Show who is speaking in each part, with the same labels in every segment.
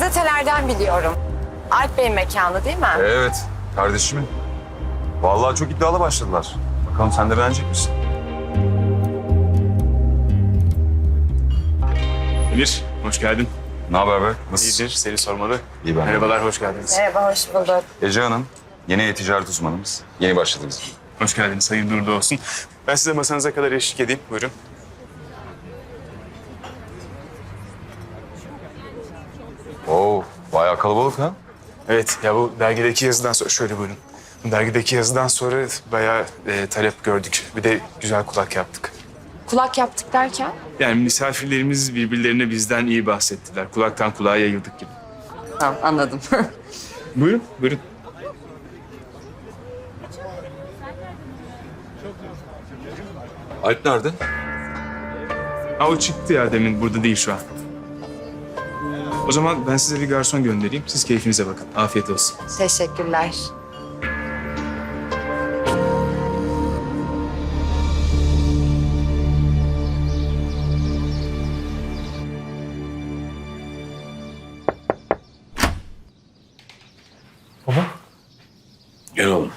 Speaker 1: Gazetelerden biliyorum. Alp Bey'in mekanı değil mi?
Speaker 2: Evet, kardeşimin. Vallahi çok iddialı başladılar. Bakalım sen de beğenecek misin?
Speaker 3: Emir, hoş geldin.
Speaker 2: Ne haber be? Nasılsın?
Speaker 3: İyidir, seni sormalı.
Speaker 2: İyi ben.
Speaker 3: Merhabalar, hoş geldiniz.
Speaker 1: Merhaba, hoş bulduk.
Speaker 2: Ece Hanım, yeni e-ticaret uzmanımız. Yeni başladınız.
Speaker 3: Hoş geldiniz, hayırlı uğurlu olsun. Ben size masanıza kadar eşlik edeyim, buyurun.
Speaker 2: Oo, bayağı kalabalık ha?
Speaker 3: Evet, ya bu dergideki yazıdan sonra, şöyle buyurun. Bu dergideki yazıdan sonra bayağı talep gördük. Bir de güzel kulak yaptık.
Speaker 1: Kulak yaptık derken?
Speaker 3: Yani misafirlerimiz birbirlerine bizden iyi bahsettiler. Kulaktan kulağa yayıldık gibi.
Speaker 1: Tamam, anladım.
Speaker 3: Buyurun, buyurun.
Speaker 2: Alp nerede?
Speaker 3: Ha, o çıktı ya demin, burada değil şu an. O zaman ben size bir garson göndereyim. Siz keyfinize bakın. Afiyet olsun.
Speaker 1: Teşekkürler.
Speaker 4: Gel oğlum.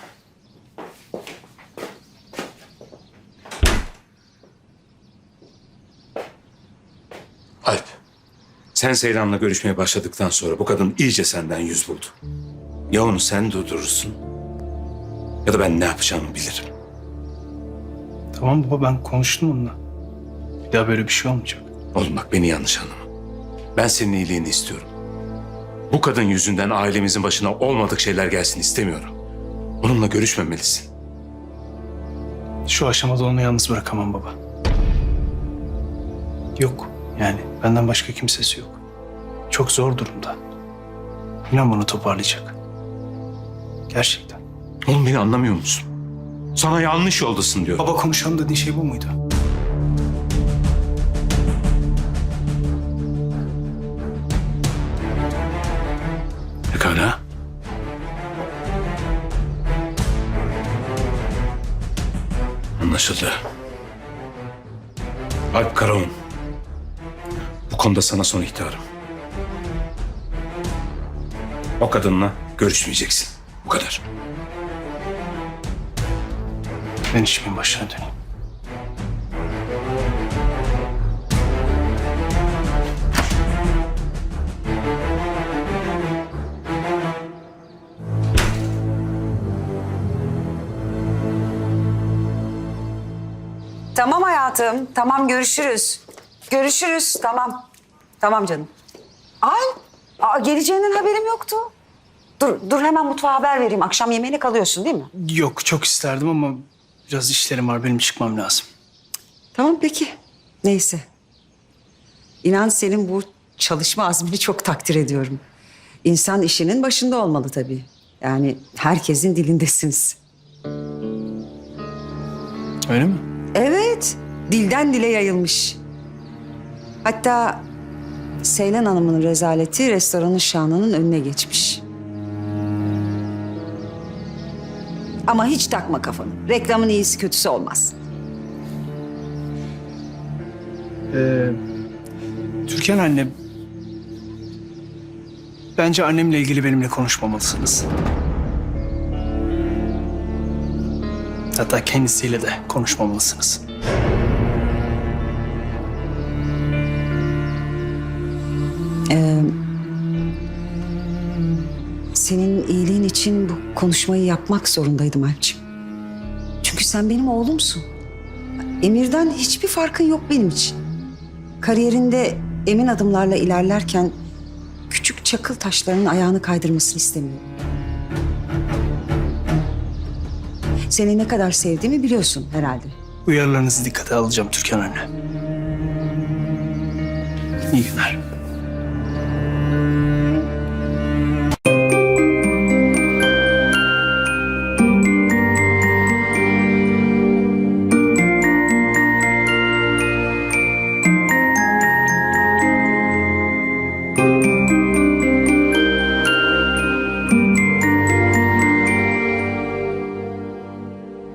Speaker 4: Alp, sen Seyran'la görüşmeye başladıktan sonra bu kadın iyice senden yüz buldu. Ya onu sen durdurursun ya da ben ne yapacağımı bilirim.
Speaker 5: Tamam baba, ben konuştum onunla. Bir daha böyle bir şey olmayacak.
Speaker 4: Oğlum bak, beni yanlış anlama. Ben senin iyiliğini istiyorum. Bu kadın yüzünden ailemizin başına olmadık şeyler gelsin istemiyorum. Onunla görüşmemelisin.
Speaker 5: Şu aşamada onu yalnız bırakamam baba. Yok yani, benden başka kimsesi yok. Çok zor durumda. İnan bana toparlayacak. Gerçekten.
Speaker 4: Oğlum beni anlamıyor musun? Sana yanlış yoldasın diyorum.
Speaker 5: Baba, konuşalım dediğin şey bu muydu?
Speaker 4: Pekala. Anlaşıldı. Alp Karaoğlan. Bu konuda sana son ihtarım. O kadınla görüşmeyeceksin. Bu kadar.
Speaker 5: Ben işimin başına döneyim.
Speaker 6: Tamam hayatım, tamam görüşürüz. Görüşürüz, tamam. Tamam canım. Geleceğinden haberim yoktu. Dur hemen mutfağa haber vereyim. Akşam yemeğine kalıyorsun değil mi?
Speaker 5: Yok, çok isterdim ama biraz işlerim var. Benim çıkmam lazım.
Speaker 6: Tamam peki. Neyse. İnan senin bu çalışma azmini çok takdir ediyorum. İnsan işinin başında olmalı tabii. Yani herkesin dilindesiniz.
Speaker 5: Öyle mi?
Speaker 6: Evet, dilden dile yayılmış. Hatta Seylan Hanım'ın rezaleti restoranın şanının önüne geçmiş. Ama hiç takma kafanı. Reklamın iyisi kötüsü olmaz.
Speaker 5: Türkan anne... Bence annemle ilgili benimle konuşmamalısınız. Hatta kendisiyle de konuşmamalısınız.
Speaker 6: Senin iyiliğin için bu konuşmayı yapmak zorundaydım Alpciğim. Çünkü sen benim oğlumsun. Emir'den hiçbir farkın yok benim için. Kariyerinde emin adımlarla ilerlerken küçük çakıl taşlarının ayağını kaydırmasını istemiyorum. Seni ne kadar sevdiğimi biliyorsun herhalde.
Speaker 5: Uyarılarınızı dikkate alacağım Türkan anne. İyi günler.